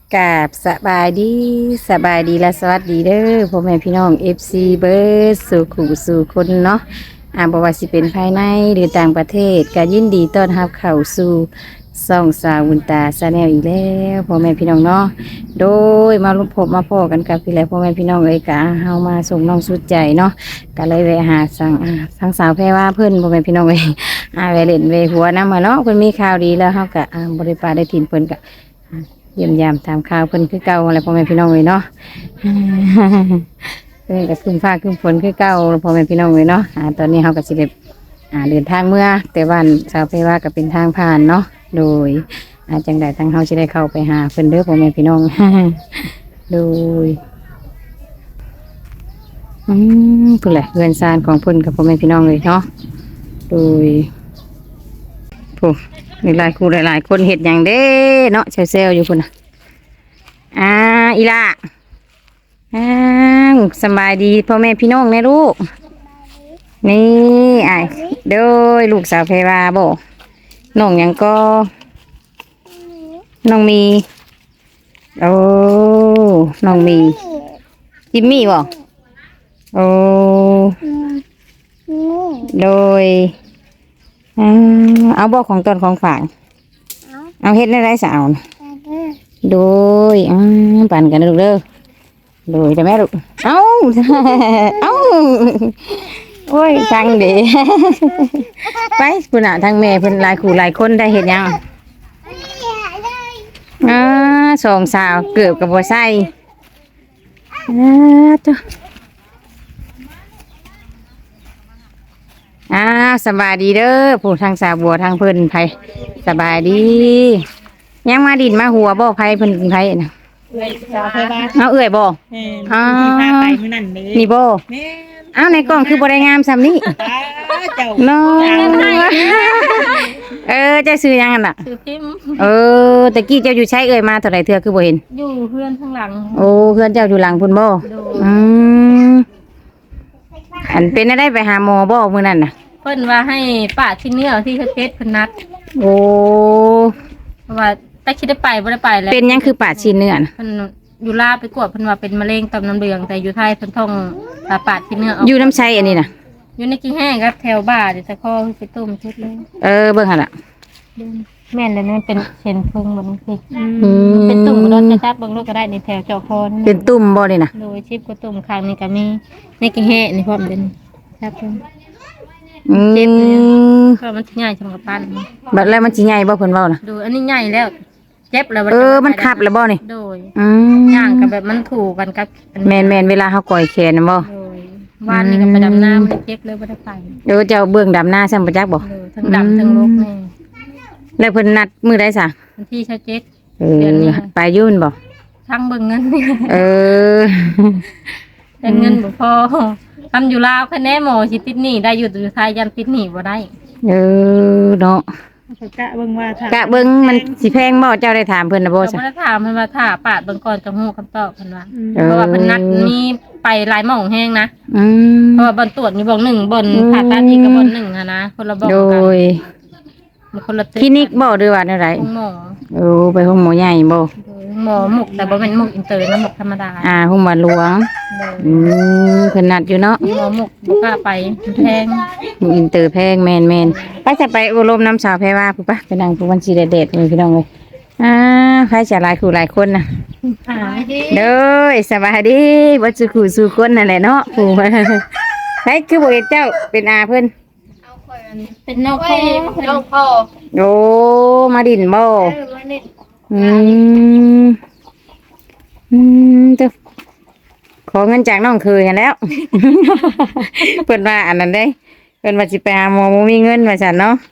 กราบสบายดีและสวัสดีเด้อพ่อแม่พี่น้อง FC เบิร์ดสู่ขู่สู่คนเนาะบ่ว่าสิเป็นภายในหรือต่างประเทศก็ยินดีต้อนรับเข้าสู่ซ่องสาวบุญตาชาแนลอีกแล้วพ่อแม่พี่น้องเนาะโดยมาลุพบมาพ่อกันกับพี่แล้วพ่อแม่พี่น้องเลยกะเฮามาส่งน้องสุดใจเนาะก็เลยแวะหาทางสาวแพรว่าเพิ่นพ่อแม่พี่น้องเลยแวะเล่นแวะหัวน้ำมาเนาะเพิ่นมีข่าวดีแล้วเฮาก็บ่ได้ปาได้ถิ่นเพิ่นก็ เยี่ยมยามตามข่าวเพิ่นคือเก่าอะไรพ่อแม่พี่น้องเลยเนาะเพิ่นก็ขึ้นฟ้าขึ้นฝนคือเก่าพ่อแม่พี่น้องเลยเนาะตอนนี้เขาก็สิได้เดินทางเมื่อแต่วันชาวเพว่าก็เป็นทางผ่านเนาะโดยจังใดทางเขาจะได้เข้าไปหาเพิ่นเด้อพ่อแม่พี่น้อง โดยเพิ่นแหละเรือนซานของเพิ่นกับพ่อแม่พี่น้องเลยเนาะโดยผู้มีหลายคู่หลายๆคนเห็ดอย่างเด้เนาะเซลอยู่พุ่นน่ะอีล่ะสบายดีพ่อแม่พี่น้องแน่ลูกนี่โดยลูกสาวเพวาบ่น้องหยังก็น้องมีโอ้น้องมีจิมมี่บ่โอ้โดยเอาบอกของตนของฝากเอาเฮ็ดได้ไรสาวโดยปั่นกันลูกเด้อโดยแต่แม่ลูกเอ้า เอ้าโอ้ยจังเด้ ไปคุณทางแม่เพิ่นหลายคู่หลายคนได้เห็นยังสองสาวเกือบกับบัวไส้จ้ะสบายดีเด้อผู้ทางสาวบัวทางเพิ่นไผสบายดียังมาดินมาหัวบ่ไผเพิ่นไผน่ะเอาเอื่อยบ่ไปมื้อนั้นเลยนี่บ่ในกล้องคือบ่ได้งามซำนี้น้องเจ้าซื้อยังกันน่ะซื้อพิมพ์ตะกี้เจ้าอยู่ใช้เอ่ยมาเท่าไหร่เทื่อคือบ่เห็นอยู่เพื่อนข้างหลังโอ้เพื่อนเจ้าอยู่หลังพุ่นบ่อันเป็นได้ไปหาหมอบ่มื้อนั้นน่ะเพิ่นว่าให้ป้าที่เนื้อที่เพชรเพิ่นนัดโอ้เพราะว่าแต่คิดได้ไปบ่ได้ไปแล้วเป็นยังคือปาดชิ้นเนื้อน่ะเพิ่นอยู่ลาวไปกวดเพิ่นว่าเป็นมะเร็งต่อมน้ำเหลืองแต่อยู่ไทยเพิ่นท่องปาดที่เนื้ออยู่น้ำใช้อันนี้น่ะอยู่ในกี่แห้งครับแถวบ้านเดี๋ยวจะข้อไปต้มชุดเลยเบิ่งหั่นล่ะแม่นเลยมันเป็นเช่นพึ่งบ่มันคือเป็นตุ่มบ่จะจับเบิ่งลูกก็ได้ในแถวเจาะคอเป็นตุ่มบ่นี่น่ะโดยชิบก็ตุ่มข้างนี้ก็มีในกี่แห้งนี่พร้อมเป็นครับเพิ่นเจ็บเลยเพราะมันใหญ่สำหรับปั้นบัดแล้วมันสิใหญ่บ่เพิ่นเว้าน่ะดูอันนี้ใหญ่แล้วเจ็บแล้วมันคับแล้วบ่นี่โดยย่างกับแบบมันถูกกันกับแม่นเวลาเฮาก่อยแขนน่ะบ่วานนี่ก็ไปดำน้ำมันเจ็บเลยบ่ได้ไปเจ้าเบื้องดำหน้าซ้ำบ่จักบ่ทั้งดำทั้งลกนี่แล้วเพิ่นนัดมื้อใดซะวันที่27 เดือนนี้ไปยุ่นบ่ทั้งเบิ่งเงินแต่เงินบ่พอทำอยู่ลาวคะแนนหมอสิติดหนี้ได้อยู่ไทยยันติดหนี้บ่ได้เนาะกะเบิ่งว่ากะเบิ่งมันสิแพงบ่เจ้าได้ถามเพิ่นน่ะบ่ซะบ่ได้ถามเพิ่นว่าถ้าปาดเบิ่งก่อนจะฮู้คำตอบเพิ่นว่าเพราะว่าเพิ่นนัดมีไปหลายหม่องแฮงนะเพราะว่าบ่อนตรวจมีบ่อน1บ่อนผ่าตัดอีกก็บ่อน1หั่นนะคนละบ่อนกันโดยคนละคลินิกบ่หรือว่าได๋หมอไปห้องหมอใหญ่บ่หมอหมกแต่บ่แม่นหมกอินเตอร์นะหมกธรรมดาห้องหมอหลวงเพิ่นนัดอยู่เนาะหมอหมกบ่กล้าไปแพงหมกอินเตอร์แพงแม่นไปจะไปอบรมน้ำสาวแพรว่าปุ๊บปะไปนั่งผู้วันสิเด็ดๆเลยพี่น้องเลยใครจะหลายคู่หลายคนน่ะเด้อสบายดีบ่สุขสู่คนนั่นแหละเนาะผู้ใครคือบ่เห็นเจ้าเป็นอาเพิ่นเป็นน้องพ่อโอ้มาดินบ่เจ้าขอเงินจากน้องเคยกันแล้วเพิ่นว่าอันนั้นได้เพิ่นว่าสิไปหาหมอบ่มีเงินว่าซั่นเนาะ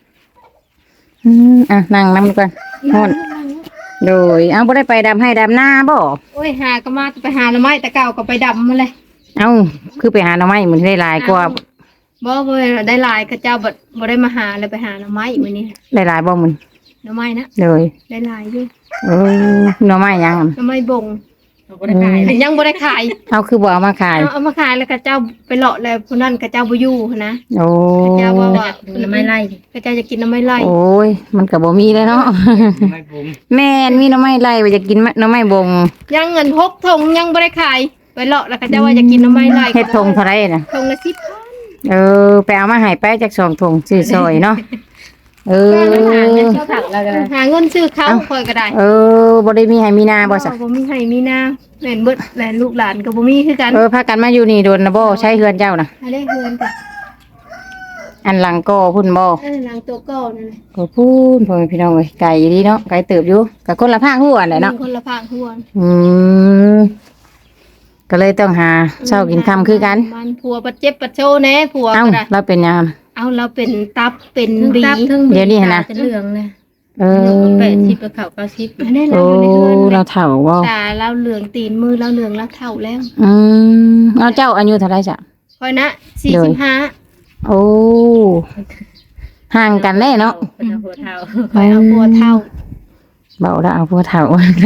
นั่งนำก่อนฮ้อนโดยบ่ได้ไปดำให้ดำหน้าบ่โอ้ยหาก็มาไปหาหน่อไม้แต่เก่าก็ไปดำมาเลยคือไปหาหน่อไม้มันได้หลายกว่าบ่ได้หลายก็เจ้าบ่ได้มาหาเลยไปหาหน่อไม้มื้อนี้ได้หลายบ่มึงหน่อไม้นะเลยได้หลายอยู่หน่อไม้ยังหน่อไม้บ่งบ่ได้ขายเลยยังบ่ได้ขายเอาคือบ่เอามาขายเอามาขายแล้วก็เจ้าไปเลาะแล้วผู้นั้นก็เจ้าบ่อยู่หั้นนะโอ้เจ้าว่าน้ำไม้ไล่ก็เจ้าจะกินน้ำไม้ไล่โอ้ยมันก็บ่มีเลยเนาะไม่ผมแม่นมีหน่อไม้ไล่ว่าจะกินหน่อไม้บงยังเงิน6ทงยังบ่ได้ขายไปเลาะแล้วก็เจ้าว่าจะกินน้ำไม้ไล่เฮ็ดทงเท่าไหร่น่ะทงละ10,000 เออไปเอามาให้ไปจาก2 ถุงซื้อซอยเนาะเออชอบถักแล้วกันหาเงินซื้อข้าวค่อยก็ได้เออบ่ได้มีให้มีนาบ่ซะบ่มีให้มีนาแม่นเบิดแหลนลูกหลานก็บ่มีคือกันเออพากันมาอยู่นี่โดนนะบ่ใช้เฮือนเจ้าน่ะให้ได้เฮือนกันอันหลังก็พุ่นบ่หลังตัวเก่านั่นแหละก็พูนพ่อแม่พี่น้องเอ้ยไก่ดีเนาะไก่เติบอยู่กับคนละภาคหัวแหละเนาะคนละภาคหัวอืมก็เลยต้องหาเช้ากินค่ำคือกันมันผัวปัดเจ็บปัดโชแน่ผัวเอ้าก็ได้เราเป็นยามเอาเราเป็นตับเป็นทั้งบีตับทั้งเดี๋ยวนี้นะจะเหลืองเลยเออ 80กับเขา90 อันนี้โอ้เราอยู่ในเฮือนเราเฒ่าบ่ตาเราเหลืองตีนมือเราเหลืองแล้วเท่าแล้วอืมเอาเจ้าอายุเท่าไหร่จ้ะคอยนะเลย 45 โอ้ห่างกันแน่เนาะเป็นหัวเท้าคอยเอาผัวเท่าเบาแล้วเอาพวกเฒ่า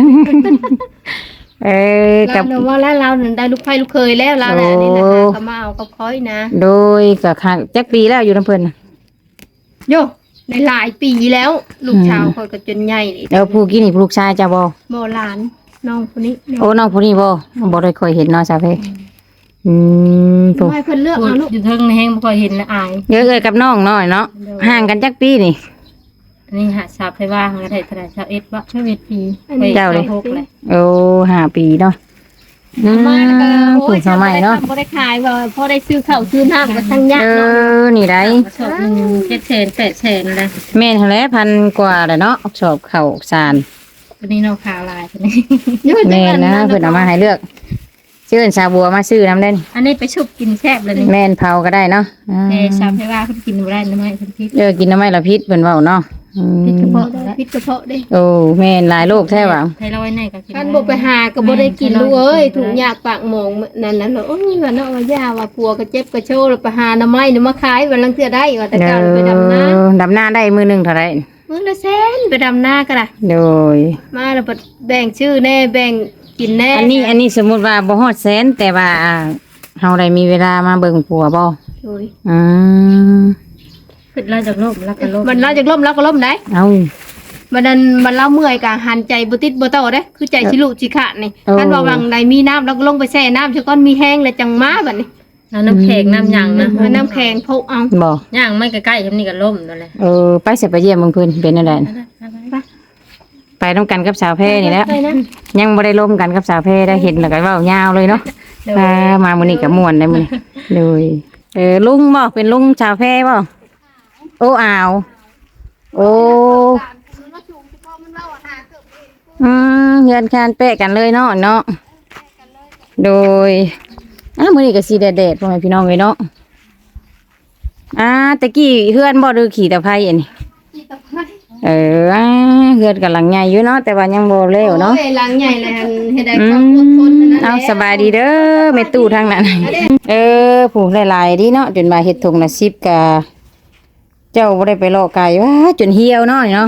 เออกัเราบเนาะว่าแล้วเราได้ลูกไฟลูกเคยแล้วเราแหละนี่นะคะโอ้ก็มาเอากับคอยนะโดยกับค่ะจักปีแล้วอยู่น้ำเพิ่นน่ะโยในหลายปีแล้ว ลูกชาวคอยก็จนใหญ่นี่แล้วผู้กี้นี่ลูกชายเจ้าบ่โบราณน้องคนนี้โอ้น้องผู้นี้บ่ได้ค่อยเห็นเนาะสาวเพผู้ให้เพิ่นเลือกพูดเอาลูกอยู่เทิงแห้งบ่ค่อยเห็นละอายเยอะเลยกับน้องน้อยเนาะห่างกันจักปีนี่อันนี้หาสาบให้ว่างก็ได้เท่าไหร่21บ่21ปีเจ้าเลย 6เลยโอ้5 ปีเนาะมาแล้วก็โอ้ผู้ยสมัยเนาะบ่ได้ขายว่าพอได้ซื้อข้าวซื้อน้ำก็ทั้งยากเอเนาะอนี่ได้สอบหนึ่ง700,000 800,000เลยแม่นหั่นแหละพันกว่าแหละเนาะสอบเข้าสารวันนี้เราขาวลายคนนี้แม่นนะเพิ่นเอามาให้เลือกชื่อชาบัวมาซื้อน้ำเด่นอันนี้ไปชุบกินแซ่บเลยนี่แม่นเผาก็ได้เนาะอ่าแต่ชาวให้ว่าเพิ่นกินบ่ได้น้ำไม้เพิ่นพิษกินน้ำไม้ละพิษเพิ่นเว้าเนาะอืมพิษกระเพาะได้พิษกระเพาะได้โอ้แม่นหลายโรคแท้ว่ะไทรอยด์ในก็กินท่านบ่ไปหาก็บ่ได้กินลูกเอ้ยถุงยากปากหมองนั่นน่ะเนาะโอ้ยว่าเนาะว่าย่าว่าผัวก็เจ็บก็โชว์แล้วไปหาหน่อไม้นี่มาขายวันลังเทื่อได้ว่าแต่เก่าไปดำนาดำนาได้มือหนึงเท่าไหร่มื้อละแสนไปดำนาก็ได้โดยมาแล้วก็แบ่งชื่อแน่แบ่งกินแน่อันนี้สมมุติว่าบ่ฮอดแสนแต่ว่าเฮาได้มีเวลามาเบิ่งผัวบ่โอ้ยอืมขึ้นลาจากโลกแล้วก็โลกมันเราจากล่มแล้วก็ล่มได้เอามันนั้นมันเล่าเมื่อยกะหันใจบ่ติดบ่เต้าเด้คือใจสิลุสิขาดนี่เออท่านว่าวังใดมีน้ำแล้วก็ลงไปแช่น้ำซะก่อนมีแห้งแล้วจังมาบัดนี้น้ำแข็งน้ำหยังนะเอาน้ำแข็งพกเอาบ่ย่างไม่ใกล้ๆครับนี่ก็ล่มนั่นแหละไปสิไปเยี่ยมเบิ่งเพิ่นเป็นจังไดไปนำกันกับสาวแพรนี่แหล้วไปนะยังบ่ได้ร่วมกันกับสาวแพรได้เห็นแล้วก็เว้ายาวเลยเนาะมามื้อนี้ก็ม่วนได้มื้อนี้เลยลุงบ่เป็นลุงสาวแพรบ่โอ้อ้าวโอ้เฮือนคานเป๊ะกันเลยเนาะโดยมื้อนี้ก็สิแดดๆพ่อแม่พี่น้องเอ้ยเนาะตะกี้เฮือนบ่หรือขี่ตะไคร้อันนี้เฮือนกำลังใหญ่อยู่เนาะแต่ว่ายังบ่แล้วเนาะโอ้ยหลังใหญ่เลยหั่นเฮ็ดได้ความอดทนนั่นแหละเอาสบายดีเด้อแม่ตู้ทางนั้นผู้หลายๆดีเนาะจนมาเฮ็ดถุงละ10กะเจ้าบ่ได้ไปเลาะไก่ว้าจนเหี่ยวเนาะนี่เนาะ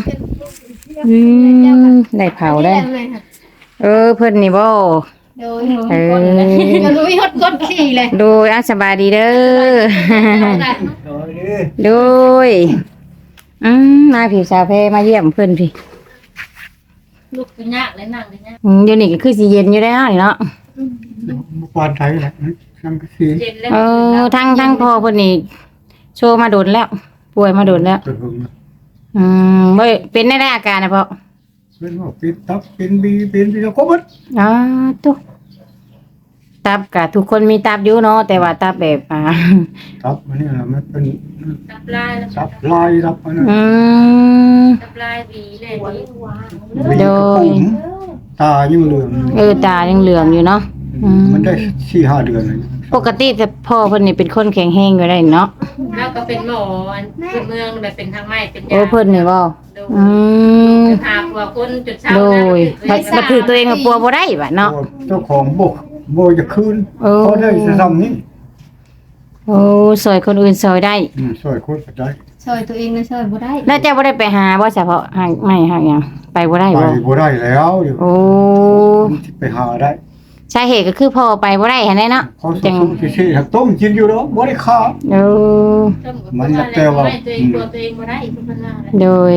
ได้เผาได้ เพิ่นนี่บ่โดยเก็รู้ฮอดกดขี่เลยโดยสบายดีเด้อ โดยมาพี่สาวแพรมาเยี่ยมเพิ่นพี่ลูกเป็นยากเลยนั่งเลยยากเดี๋ยวนี้ก็คือสิเย็นอยู่แล้วนี่เนาะปานไทยแหละสังกะสีเย็นแล้วทั้งพ่อเพิ่นนี่โชว์มาโดนแล้ว ป่วยมาโดนแล้วตัวหึงบ่เป็นได้อาการนะพ่อเป็นว่าเป็นตับเป็นบีเป็นที่ครบหมดตุ๊ตับกะทุกคนมีตับอยู่เนาะแต่ว่าตับแบบตับมันนี่แหละมันเป็นตับลายแล้วตับลายตับอันนั้นตับลายวีเลยนี่บีกระปุมตายังเหลืองตายังเหลืองอยู่เนาะมันได้4-5 เดือนเลยปกติแต่พ่อเพิ่นนี่เป็นคนแข็งแรงอยู่ได้เนาะแล้วก็เป็นหมอพื้นเมืองแบบเป็นทางไม้เป็นยาเพิ่นนี่บ่หาผัวคนจุดเช้าโดยบัดถือตัวเองกับปัวบ่ได้บัดเนาะเจ้าของบ่จะคืนเขาได้จะทำนี้โอ้ซอยคนอื่นซอยได้ช่วยคนก็ได้ช่วยตัวเองนะช่วยบ่ได้แล้วเจ้าบ่ได้ไปหาบ่เฉพาะหางไม่หางหยังไปบ่ได้ไปบ่บ่ได้แล้วเดี๋ยวโอ้ไปหาได้สาเหตุก็คือพ่อไปบ่ได้หั่นแหละเนาะพอสุกๆสิๆต้มกินอยู่ดอกบ่ได้ข้าวโอ้มันแต่ว่าตัวเองตัวเองบ่ได้เพิ่นว่าแหละโดย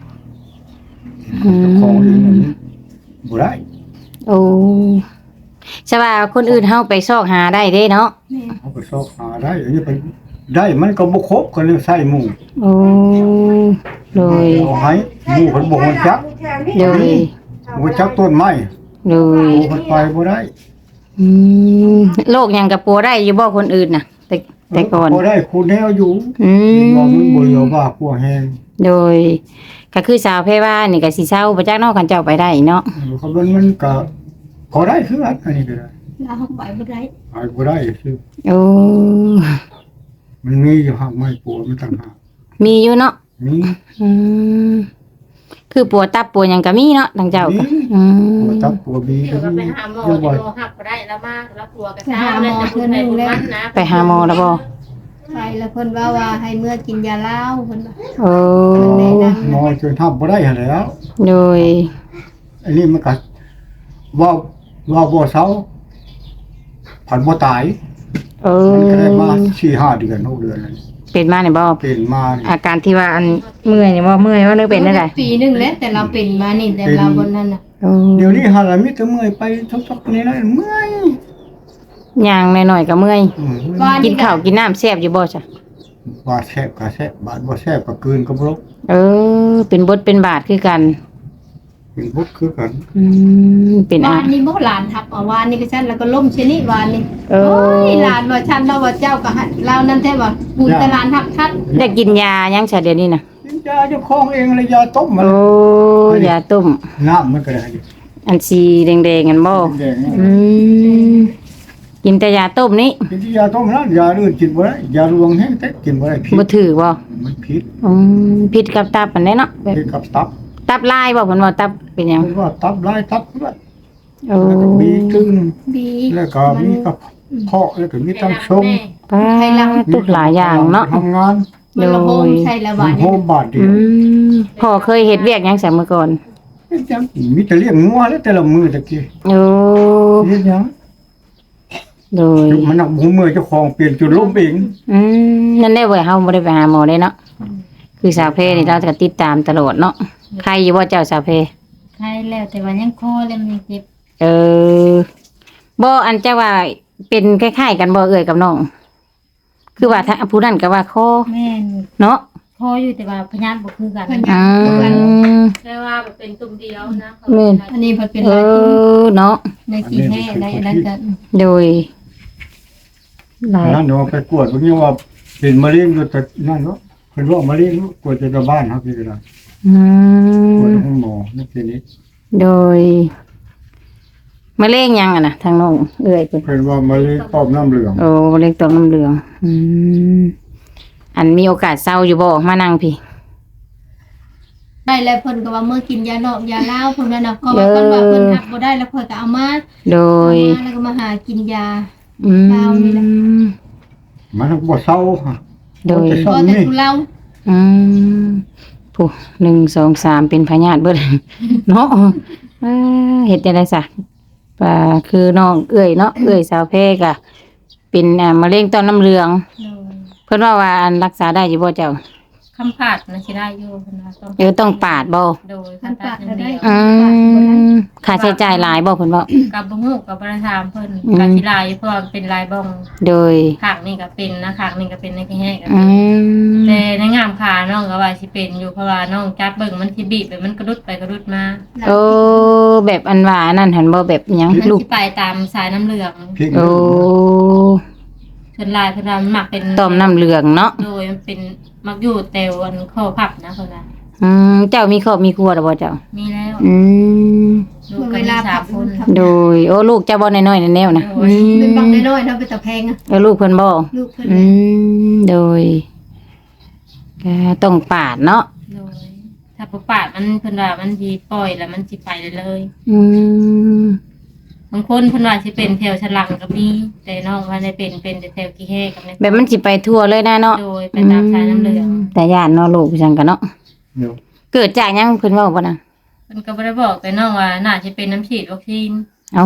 ของเองมันบ่ได้โอ้ใช่ว่าคนอื่นเฮาไปซอกหาได้เด้เนาะเอาไปซอกหาได้อันนี้ไปได้มันก็บ่ครบก็เลยใส่หมูโอ้โดยเอาให้หมูเพิ่นบ่ฮู้จักโดยบ่จักต้นไม้โดยหมูเพิ่นไปบ่ได้อืมโรคหยังกับปัวได้อยู่บ่คนอื่นน่ะ แต่ก่อนบ่ได้คูแนวอยู่อืว่ามันบ่มเหลือว่าพัวแฮงโดยก็คือสาวเพว่านี่ก็สิเศร้าบ่จักเนาะคันเจ้าไปได้เนาะเขามันก็พอได้คืออันนี้ก็ได้เราไปบ่ได้ไปบ่ได้คือโอ้มันมีอยู่หักไม้ปัวมันต่างหากมีอยู่เนาะมีอืมคือปัวตับปัวหยังก็มีเนาะทางเจ้าก็อืปัวมตับปัวบีเดี๋ยวก็ไปหาหมอยังเดี๋บ่ยวหักบ่ได้แล้วมาแล้วกลัวกันเช้าแล้วจะพูดไปพูดมันนะไปหาหมอแล้วบ่ไปแล้วเพิ่นว่าให้เมื่อกินยาลาวเพิ่นว่าโอ้หมอจนทับบ่ได้หั่นแหล้วโดยอันนี้มันก็ว่าบ่เซาผันบ่ตายเอมันก็ได้อมา 4-5 เดือน6เดือนแล้วเป็นมาเนี่ยบ่เป็นมานี่อาการที่ว่าอันเมื่อยเนี่ยบ่เมื่อยว่านึกเป็นได้ไดปีหนึงแล้วแต่เราเป็นมานี่แต่เราบนนั้นน่ะโอ้เดี๋ยวนี้หาละมีแต่เมื่อยไปทุกๆนี่แล้วเมื่อยย่างหน่อยๆก็เมื่อยอืมกินข้าวกินน้ำแซ่บอยู่บ่จ้ะบาดแซ่บก็แซ่บบาดบ่แซ่บก็กลืนก็บ่ลงเออ เป็นบทเป็นบาทคือกันเป็นบุกคือกันอืมเป็นวานนี้บ่หลานทับเอาวานนี้ก็ฉันแล้วก็ล่มชนิดวานนี้เอโอ้อยหลานว่าฉันเราว่าเจ้าก็หันเรานั่นแท้ว่าบุญแต่หลานทับทัดได้กินยายังซะเดี๋ยวนี้น่ะกินยาเจ้าของเองเลยยาต้มมันโอ้ยาต้มน้ำมันก็ได้อยู่อันสีแดงๆกันบ่แดงๆอืมกินแต่ยาต้มนี้กินที่ยาต้มนั้นยาอื่นกินบ่ได้ยาลวงแห้งแต่กินบ่ได้พิษบ่ถือบ่มันพิษอืมผิดกับตับปานใดเนาะแบบพิษกับตับตับลายบ่เพิ่นว่าตับเป็นหยังมันว่าตับลายตับเลือดโอ้แล้วก็มีตึงบีแล้วก็มีกระเพาะแล้วก็มีตั้งชงป้าตุกหลายอย่างเนาะทำงานมันละโฮมใช่ละวานโฮนี้มบาทเดีอืยวมพ่อเคยเฮ็ดเวียกหยังซะเมื่อก่อนจังมีแต่เลี้ยงงัวแล้วแต่ละมือตะกี้โอ้เฮ็ดหยังโดยมันนักหูมือเจ้าของเปลี่ยนจุดล้มเองอืมนั่นได้เว้ยเฮาบ่ได้ไปหาหมอเลยเนาะคือสาวเพนี่เราจะติดตามตลอดเนาะใครอยู่บ่เจ้าสาวเพใช่แล้วแต่ว่ายังคอแล้วมันยังเจ็บเออบ่อันเจ้าว่าเป็นคล้ายๆกันบ่เอ่ยกับน้อง คือว่าถ้าผู้นั้นก็ว่าคอแม่นเนาะคออยู่แต่ว่าพยานบ่คือกันอืมแต่ว่าเป็นตุ่มเดียวนะแม่นอันนี้เพิ่นเป็นเอหลายตุ่มอเนาะในกี่แห่ในอันนั้นก็โดยหลายนั่นเนาะไปกวดเพิ่นว่าเป็นมะเร็งอยู่แต่นั่นเนาะเพิ่นว่ามะเร็งกวดจะบ้านครับพี่ก็ได้อืกวดมห้องหมอนั่นทีนี้โดยมะเร็งยังอ่ะนะทางน้องเอ่ยเพิ่นเพิ่นว่ามะเร็งปอมน้ำเหลืองโอ้มะเร็งต่อมน้ำเหลือง อืมอันมีโอกาสเศร้าอยู่บ่มานั่งพี่ได้แล้วเพิ่นก็ว่าเมื่อกินยานอกยาลาวเพิ่นว่าน่ะก็ว่าเพิ่นว่าเพิ่นหักบ่ได้แล้วเพิ่นก็เอามาโดยเอามาแล้วก็มาหากินยาอืมเศร้านี่แหละมันบ่เศร้าค่ะโดยพอแต่ทุเลาอืมผู้1 2 3เป็นพยาธิเบิด เนาะเฮ็ดจังได๋ซะป่าคือน้องเอื้อยเนาะเอื้อยสาวเพกะเป็นมะเร็งต่อมน้ำเหลือง เพิ่นว่าอันรักษาได้อยู่บ่เจ้าคำผาดนะสิได้อยู่เพิ่นว่าต้องต้องปาดบ่โดยคำผาดอย่างเดียวอืมค่าใช้จ่ายหลายบ่เพิ่นเว้ากับบ่ฮู้กับบ่ได้ถามเพิ่นอืมกับสิลายเพราะว่ามันเป็นลายบ้องโดยขางนี่ก็เป็นนะขางนี่ก็เป็นในแค่ก็อืเป็นมแต่ในงามขาน้องก็ว่าสิเป็นอยู่เพราะว่าน้องจับเบิ่งมันสิบีบไปมันกระดุดไปกระดุดมาโอ้แบบอันว่านั่นหันบ่แบบหยังมันลูกสิไปตามสายน้ำเหลืองพริกโอ้เพิ่นลายเพิ่นว่ามันมักเป็นต่อมน้ำเหลืองเนาะโดยมันเป็นมักอยู่แต่อันข้อพับนะเพิ่นว่าอืมเจ้ามีครอบมีครัวแล้วบ่เจ้ามีแล้วอืมลูกก็เวมีลาสาผัมบคนทโดยโอ้ลูกเจ้าบ่น้อยๆแนวๆนะอืมเป็นบังน้อยๆเนาะเป็นตะแพงอะแล้วลูกเพิ่นบ่ลูกเพิ่นอืมโดยก็ต้องปาดเนาะโดยถ้าบ่ปาดมันเพิ่นว่ามันสิปล่อยแล้วมันสิไปเลยอืมบางคนเพิ่นว่าสิเป็นแถวฉลังก็มีแต่น้องว่าได้เป็นแต่แถวกี่แห่กับในแบบมันสิไปทั่วเลยนะเนาะโดยไปตามสายน้ำเหลืองแต่ย่านเนาะลูกจังกันเนาะเดี๋ยวเกิดจากหยังเพิ่นเว้าบ่นะเพิ่นก็บ่ได้บอกแต่น้องว่าน่าจะเป็นน้ำฉีดวัคซีนเอ้าเพราะ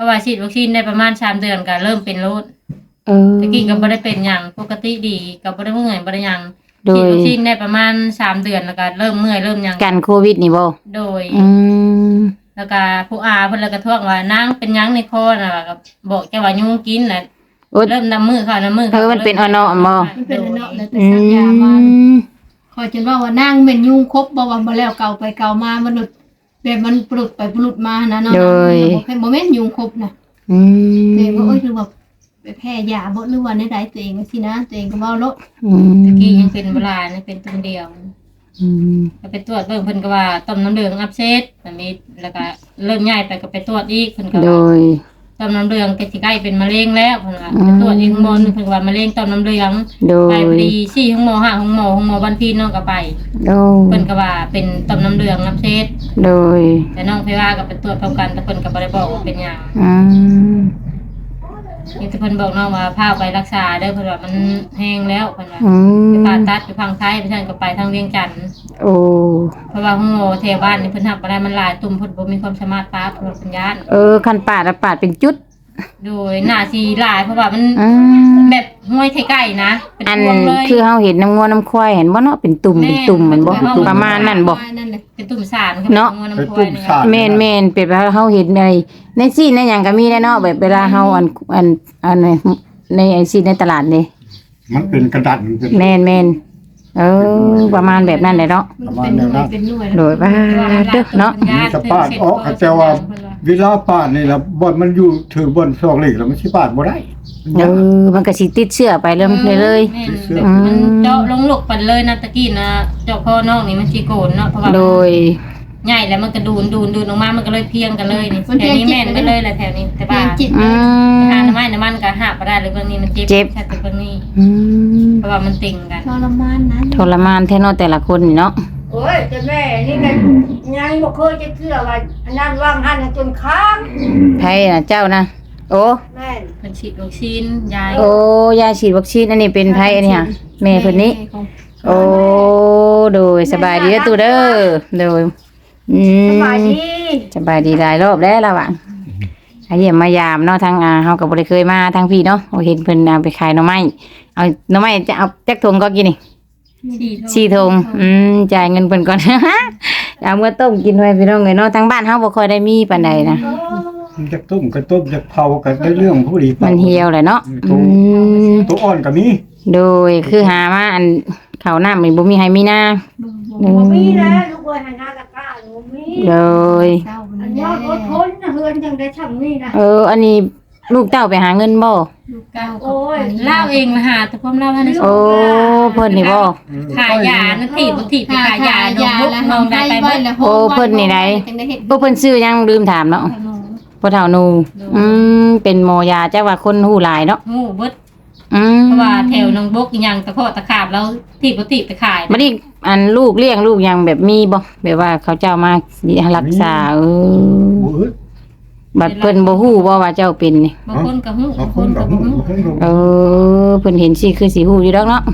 ราะว่าฉีดวัคซีนได้ประมาณ3เดือนก็เริ่มเป็นโรค ตะกี้ก็บ่ได้เป็นหยังปกติดีก็บ่ได้เมื่อยบ่ได้หยังโดฉีดยวัคซีนได้ประมาณ3เดือนแล้วก็เริ่มเมื่อยเริ่มหยังกันโควิดนี่บ่โดยมแล้วก็ผู้อาเพิ่นเลยก็ท้วงว่านางเป็นหยังในคอน่ะก็บอกแกว่ายุงกินน่ะโอ๊ยเริ่มน้ำมือเข้าน้ำมือเออมันเป็นอ่อนๆบ่มันเป็นเนาะแล้วแต่อืสัญญามามคอยจนว่านั่งเป็นยุงครบบ่ว่าบ่แล้วเก่าไปเก่ามามันแบบมันปลุดไปปลุดมานะเนาะบ่แม่นยุงครบนะอืมตัวเองก็โอ้ยคือแบบไปแพ้ยาบ่หรือว่าในใดตัวเองก็สินะตัวเองก็เว้าโลดอืมตะกี้ยังเป็นเวลานี่เป็นตัวเดียวอืมก็ไปตรวจเบิ่งเพิ่นก็ว่าต่อมน้ำเหลืองอักเสบแบบนี้แล้วก็เริ่มย้ายไปก็ไปตรวจอีกเพิ่นก็โดว่าย ต่อมน้ำเหลืองก็สิใกล้เป็นมะเร็งแล้วเพิ่นว่าไปตรวจอีกหมอนึงเพิ่นว่ามะเร็งต่อมน้ำเหลืองโดไปยพอดี4ห้องหมอ5ห้องหมอบ้านพี่น้องก็ไปโดยเพิ่นก็ว่าเป็นต่อมน้ำเหลืองอักเสบโดยแต่น้องเพว่าก็ไปตรวจพร้อมกันแต่เพิ่นก็บ่ได้บอกว่าเป็นหยังอืมนี่แต่เพิ่นบอกน้องว่าพาไปรักษาเด้อเพิ่นว่ามันแห้งแล้วเพิ่นว่าอืไปมผ่าตัดอยู่ฝั่งไทยเพิ่นก็ไปทางเวียงจันทน์โอ้เพราะว่าห้องหมอแถวบ้านนี่เพิ่นรับบ่ได้มันหลายตุ่มเพิ่นบ่มีความสามารถปาเพิ่นว่าเพิ่นย้านคันปาดอะปาดเป็นจุดโดยหน้าสิหลายเพราะว่ามันอืมแบบห้วยไทไก่นะเป็นอันพวงเลยคือเฮาเห็นน้ำงัวน้ำควายเห็นบ่เนาะเป็นตุ่มเป็นตุ่มเหมือนบ่ประมาณนั้นบ่นั่นแหละเป็นตุ่มสารเนาะน้ำเป็นพวตุ่ยมนี่สารแม่นแม่นเป็นว่าเฮาเห็นในซีนในหยังก็มีแน่เนาะแบบเวลาเฮาอันในไอซีนในตลาดนี่มันเป็นกระดาษเป็นแม่นแม่นประมาณแบบนั้นแหละเนาะมันเป็นหน่วยเป็นหน่วยโดยว่าเด้อเนาะมีสปาดออกเขาแต่ว่าเวลาปาดนี่ล่ะบ่อนมันอยู่ถือบอนซอกเหล็กแล้วมันสิปาดบ่ได้มันยากมันก็สิติดเชื้อไปเริ่มเลยแม่นมันเจาะลงลูกปันเลยนะตะกี้นะเจาะคอน้องนี่มันสิโกนเนาะเพราะว่าโดยใหญ่แล้วมันก็ดูนออกมามันก็เลยเพียงกันเลยนี่แถวนี้แม่นกันเลยแหละแถวนี้แต่เพีว่ายงจิตอืมหาน้ำมันก็หาบ่ได้เลยเรื่องนี้มันเจ็บเจ็บใช่แต่เรื่องนี้อืมเพราะว่ามันติ่งกันทรมานนะทรมานแท้เนาะแต่ละคนนี่เนาะโอ้ยแต่แม่นี่ก็ยังบ่เคยจะเชื่อว่าอันนั้นว่างหันจนค้างไผน่ะเจ้านะโอ้แม่นมันฉีดวัคซีนยายโอ้ยาฉีดวัคซีนอันนี้เป็นไผอันนี้ค่ะแม่เพิ่นนี้ โอ้โดยสบายดีเด้อตู่เด้อโดยสอืมบายดีสบายดีหลายรอบแล้วล่ะว่ะเยี่ยมมายามเนาะทางเฮาก็บ่ได้เคยมาทางพี่เนาะเห็นเพิ่นเอาไปขายหน่อไม้เอาหน่อไม้จะเอาจักถุงก็กินนี่ฉีด 4ถุงจ่ายเงินเพิ่นก่อน เอามาต้มกินไว้พี่น้องเอ้ยเนาะทางบ้านเฮาบ่ค่อยได้มีปานใดนะมันจะต้มก็ต้มจะเผาก็ได้เรื่องผู้ดีมันเหี่ยวแหละเนาะมตัวอ่อนก็มีโดยคือหามาอันข้าวน้ำนี่บ่มีให้มีนาบ่มีแล้วลูกเอ้ยหันหน้าตะกร้าบ่มีโดยอันยอดอดทนนะเฮือนจังได้ช่ำนี่นะอันนี้ลูกเต้าไปหาเงินบ่ลูกเก้าโอ้ยเล่าเองละหาแต่ความเล่าให้นะโอ้เพิ่นนี่บ่ขายยานะถีบไปขายยาน้องบุกน้องได้ไปเบิ่งโอ้เพิ่นนี่ไหน พวกเพิ่นซื้อยังลืมถามเนาะพ่อเฒ่าหนูเป็นหมอยาจักว่าคนหูหลายเนาะงูเบิดเพเพราะว่าแถวน้องบกอีหยังตะโพดตะขาบแล้วถีบไปขายบัดนี้อันลูกเลี้ยงลูกยังแบบมีบ่แบบว่าเขาเจ้ามารักษาบ่อึดบัดเพิ่นบ่ฮู้บ่ว่าเจ้าเป็นนี่บางคนก็ฮู้บาบาง งคคน นก็ก็ฮู้บ่ฮู้บางคนก็เอเพิ่นเห็นสิคือสิฮู้อยู่ดอกเนาะ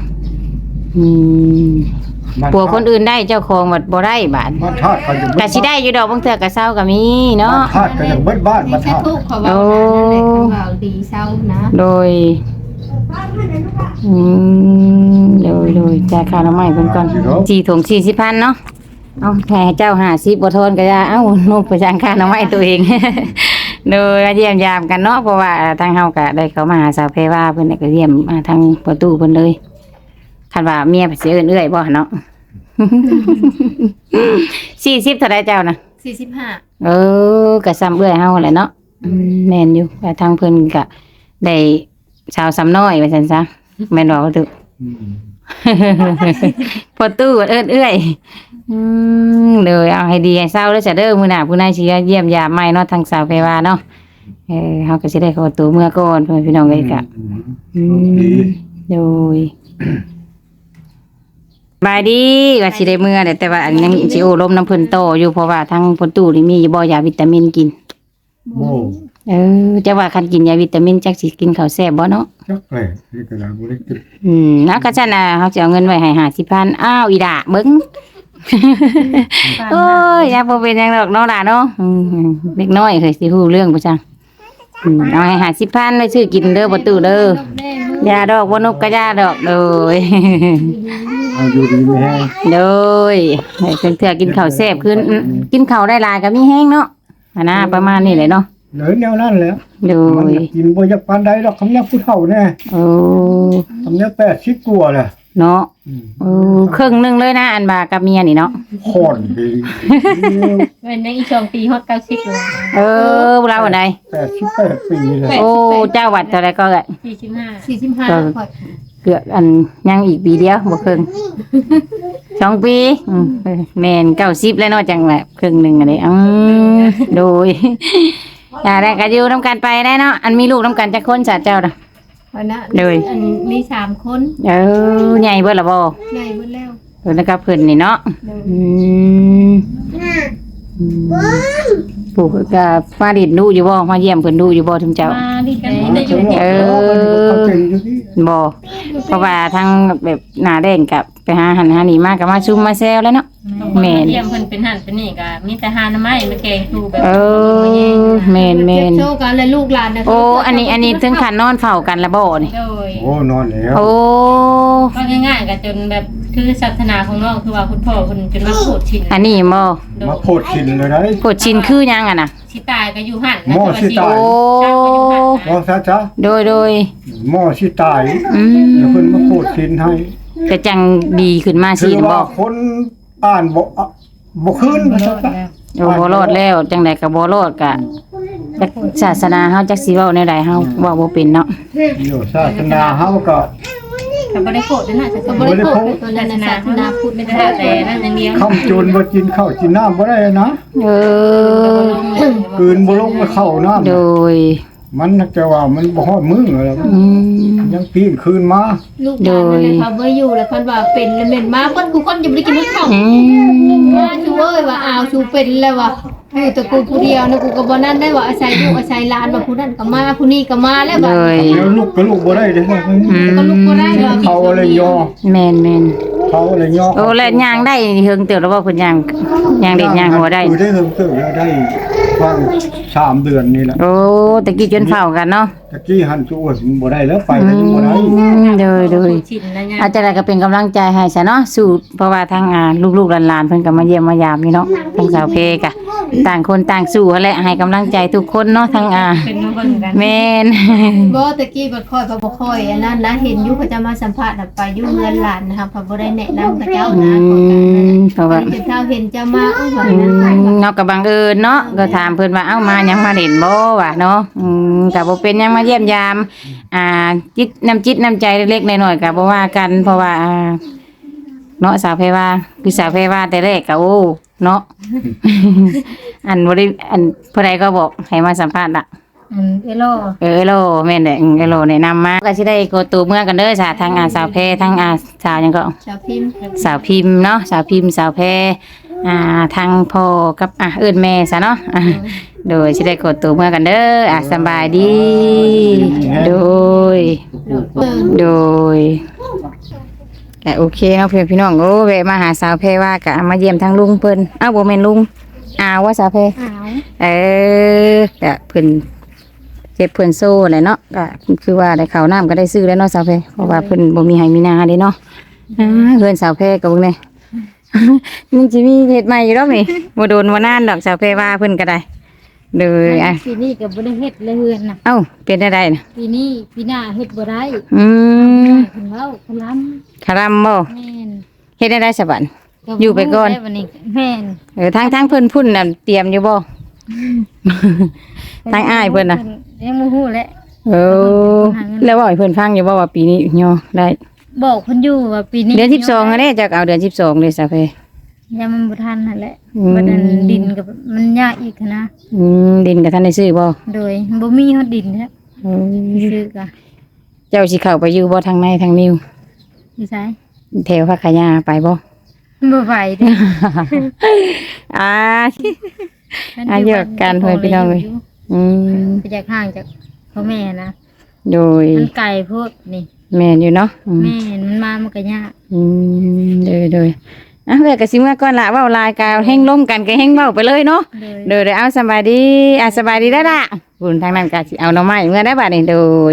ปัวคนอื่นได้เจ้าของบัดบ่ได้บาดบ้านธาตุก็ยังก็สิได้อยู่ดอกบางเทื่อก็เศร้าก็มีเนาะบ้านธาตุก็ยังเบิดบ้านบ้านแค่ธาตุทุกข์เขาว่านั่นแหละเขาว่าดีเศร้านะโดยโดยจ่ายค่าน้ำมันเพิ่นก่อน4ถุง40,000เนาะเอาให้เจ้า50บ่ทอนก็อย่าเอ้านกไปจ่ายค่าน้ำมันตัวเอง โดยมาเยี่ยมยามกันเนาะเพราะว่าทางเฮาก็ได้เข้ามาหาสาวเพว่าเพิ่นก็เยี่ยมมาทางประตูเพิ่นเลยคันว่าเมียสิเอิ้นเอื้อยบ่เนาะ 40เท่าใดเจ้านะ 45 ก็ซ้ำเอื้อยเฮาแหละเนาะแม่นอยู่แต่ทางเพิ่นก็ได้ชาวซ้ำน้อยว่าซั่นซะแม่นบ่ว่าตุ พอตู้เอิ้นเอื้อยเลยเอาให้ดีให้เศร้าแล้วจะเด้อมื้อหน้าผู้นายสิเยี่ยมยามใหม่เนาะทางสาวเพว่าเนาะเฮาก็สิได้เข้าตัวเมื่อก่อนเพิ่นพี่น้องเอ้ยก็ดีโดยบายดีว่าสิได้เมื่อแต่ว่าอันยังสิโอ้ลมน้ำเพิ่นโตอยู่เพราะว่าทางพอตู้นี่มีบ่ยาวิตามินกินโอ้จะว่าคันกินยาวิตามินจักสิกินข้าวแซ่บบ่เนาะจักเลยนี่ก็ได้บ่ได้กินนะก็ฉะนั้นเฮาสิเอาเงินไว้ให้50,000อ้าวอีด่าเบิ่ง โอ้ยอย่าบ่เป็นหยังดอกเนาะล่ะเนาะเด็กน้อยเคยสิฮู้เรื่องบ่จังเอาให้50,000เลยซื้อกินเด้อบ่ตู้เด้อยาดอกบ่นกก็ยาดอกโดยเอาอยู่ดีไม่แห้งโดยให้เพิ่นเถื่อกินข้าวแซ่บขึ้นกินข้าวได้หลายก็มีแห้งเนาะอันน่ะประมาณนี้เลยเนาะเลยแนวนั้นแหล้วโดมันยอยากกินบ่อยากปานใดดอกคำนี้ผู้เฒ่าแน่โอ้คำนี้80กว่าแหละเนาะโอ้ครึ่งหนึงเลยนะอันบากับเมียนี่เนาะค่อนไปเป็นยังอีก2ปีฮอด90อยู่เราอันใด 88ปีเลยโอ้เจ้าวัดเท่าไรก็ 45 45ข่อยเกือบอันยังอีกปีเดียวบ่ครึ่ง2 ปีแม่น90แล้วเนาะจังแบบครึ่งหนึงอันนี้โดยได้ก็อยู่นํกันไปได้เนาะอันมีลูกนํกันจักคนซะเจ้าน่ะข่อยนะเลยอันมี3คนใหญ่เบิดละบ่ใหญ่เบิดแล้วเพิ่นก็เพิ่นนี่เนาะปู่ก็มาดิดดูอยู่บ่มาเยี่ยมเพิ่นดูอยู่บ่ทุกเจ้ามาดีกันนี่ได้อยู่เขาเก่งอยู่ที่บ่เพราะว่าทางแบบหน้าแดงกับไปหาหันหานี่มาก็มาซุ่มมาแซวแล้วเนาะ แม่นเยี่ยมเพิ่นเป็นหั่นเป็นนี่ก็มีแต่หาหน่อไม้มาแกงทูแบบแม่นเจ็บโชว์กันแล้วลูกหลานนะโอ้อันนี้ถึงขั้นนอนเฝ้ากันละบ่นี่โดยโอ้นอนแล้วโอ้ก็ง่ายๆก็จนแบบคือศาสนาของน้องคือว่าคุณพ่อคุณจนมาโคตรชินอันนี้บ่มาโพดชินเลยได้กดชินคือหยังอ่ะน่ะสิตายก็อยู่หั่นหม้อสิตายโอ้มองซะจ้ะโดยหม้อสิตายอืมแล้วเพิ่นมาโพดชินให้ก็จังดีขึ้นมาถืสิอบ่ว่าคนอ่านบ่คืนว่าซะจ้ะโอ้บ่รอดแล้วจังได๋ก็บ่รอดก็จักศาสนาเฮาจักสิเว้าแนวใดเฮาเว้าบ่เป็นเนาะอยู่ศาสนาเฮาก็ก็บ่ได้โกรธด้วยนะจะก็ก็บ่บ่ได้ได้โกโกรรธธตัวนั้นนะศาสนาพุทธไม่ไม่ได้ได้แต่นั่นอย่างเดียวข้ามจนบ่กินข้าวกินน้ำบ่ได้นะเออกลืนบ่ลงมาเข้าน้ำโดยมันน่ะจะว่ามันบ่ฮอดมื้อแล้วอืมยังปีนคืนมาลูกหลานนั่นนะคะบ่อยู่แล้วเพิ่นว่าเป็นแล้วแม่นมาเพิ่นกูคนจะบ่ได้กินข้าวอืมว่าชูเอ้ยว่าอ้าวชูเป็นแล้วว่ะอยู่แต่กูผู้เดียวนะกูก็บ่นั่นได้ว่าอาศัยลูกอาศัยหลานว่าผู้นั้นก็มาผู้นี้ก็มาแล้วโดบัดยเดี๋ยวลูกก็ลูกบ่ได้เด้อก็ลุกบ่ได้ว่าเขาอะไรยอแม่นเขาอะไรยอโอ้แล้วย่างได้เฮิงเติบแล้วบ่เพิ่นย่างเด็ดย่างหัวได้ได้เพิ่มเติมแล้วได้ฟัง3 เดือนนี่แหละโอ้ตะกี้จนเฝ้ากันเนาะตะกี้หันจูดบ่ได้แล้วไปก็ยังบ่ได้โดยชินนะเนี่ยอาจจะได้ก็เป็นกำลังใจให้ซะเนาะสู้เพราะว่าทางลูกๆหลานๆเพิ่นก็มาเยี่ยมมายามนี่เนาะทางสาวเพกะต่างคนต่างสู้นั่นแหละให้กำลังใจทุกคนเนาะทั้งเป็นมาเบิ่งกันแม่นบ่ตะกี้บ่ค่อยบ่ค่อยอันนั้นนะเห็นอยู่เขาจะมาสัมภาษณ์น่ะไปอยู่เรือนหลานนะคะเขาบ่ได้แนะนำกับเจ้านะเพราะว่าเจ้าเห็นเจ้ามาว่านั้นไปว่าเนาะก็บังเอิญเนาะก็ถามเพิ่นว่าเอ้ามาหยังมาเด่นบ่วะเนาะก็บ่เป็นหยังมาเยี่ยมยามจิตน้ำใจเล็กๆน้อยๆก็บ่ว่ากันเพราะว่าเนาะสาวเพว่าคือสาวเพว่าแต่แรกก็โอ้เนาะ อันบ่ได้อันผู้ใดก็บอกให้มาสัมภาษณ์ล่ะเอโลเอโลแม่นแหละเอโลแนะนำมาก็สิได้โกตูเมื่อกันเด้อจ้ะทางสาวเพทางสาวหยังก็ชาวพิมพ์สาวพิมพ์เนาะสาวพิมพ์สาวแพรทางพ่อกับเอิ้นแม่ซะเนาะโดยสิได้กดตัวเมื่อกันเด้อสำบายดี โดยก็โอเคเนาะเพื่อนพี่น้องโอ้แวะมาหาสาวแพรว่าก็มาเยี่ยมทางลุงเพิ่นบ่แม่นลุงว่าสาวแพรอ้าวก็เพิ่นเจ็บเพิ่นโซ่แหละเนาะก็คือว่าได้ข้าวน้ำก็ได้ซื้อแล้วเนาะสาวแพรเพราะว่าเพิ่นบ่มีให้มีนาเด้เนาะเพิ่นสาวแพรก็เบิ่งแน่ มันจะมีเห็ดใหม่อยู่รอบนี่บ่โดนบ่นานดอกสาวเพว่าเพิ่นก็ได้เลยปีนี้ก็บ่ได้เฮ็ดเลยเฮือนน่ะเอ้าเป็นได้น่ะปีนี้ปีหน้าเฮ็ดบ่ได้อืมเพิ่นเว้าเพิ่นล้ำคารำบ่แม่นเฮ็ดได้สะบัด อยู่ไปก่อนวันนี้แม่นทางเพิ่นพุ่นน่ะเตรียมอยู่บ่ ทางอ้ายเพิ่นน่ะยังบ่ฮู้แหละเออแล้วบอกให้เพิ่นฟังอยู่บ่ว่าปีนี้ย่อได้บอกเพิ่นอยู่ว่าปีนี้เดือน12อันนี้จักเอาเดือน12เลยสาวเพยังมันบ่ทันนั่นแหละอืมบัดนั้นดินก็มันยากอีกหั้นนะดินก็ทันได้ซื้อบ่โดยบ่มีฮอดดินแท้เออซื้อก็เจ้าสิเข้าไปอยู่บ่ทางในทางนิ้วอยู่ไสแถวพักขยาไปบ่บ่ไหวเด้เยอะกันเพิ่นพี่น้องเอ้ยอืมไปจากห่างจากพ่อแม่นะโดยมันไกลโพดนี่แม่นอยู่เนาะแม่นมันมามันก็ยากโดยอ่ะเพื่อก็สิเมื่อก่อนละเว้าลายกาวแห้งล้มกันก็แห้งเว้าไปเลยเนาะเลยเดี๋ยวเอาสบายดีสบายดีได้ละคุณทางนั้นก็สิเอาหน่อไม้เมื่อได้บัดนี้โดย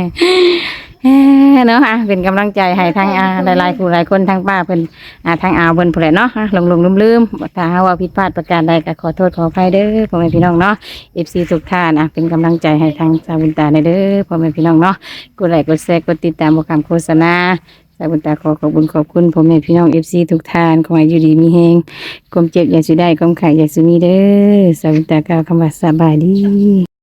เนาะเป็นกำลังใจให้ทางหลายๆผู้หลายคนทางป้าเพิ่นทางอาเพิ่นผู้ใดเนาะลงลืมถ้าหาว่าผิดพลาดประการใดก็ขอโทษขออภัยเด้อพ่อแม่พี่น้องเนาะ FC ทุกท่านเป็นกำลังใจให้ทางสาวบุญตาเด้อพ่อแม่พี่น้องเนาะกดไลค์กดแชร์กดติดตามบ่คำโฆษณาสาวบุญตาขอบคุณพ่อแม่พี่น้อง FC ทุกท่านขอให้อยู่ดีมีแฮงความเจ็บอย่าสิได้ความไข้อย่าสิมีเด้อสาวบุญตากล่าวคำว่าสบายดี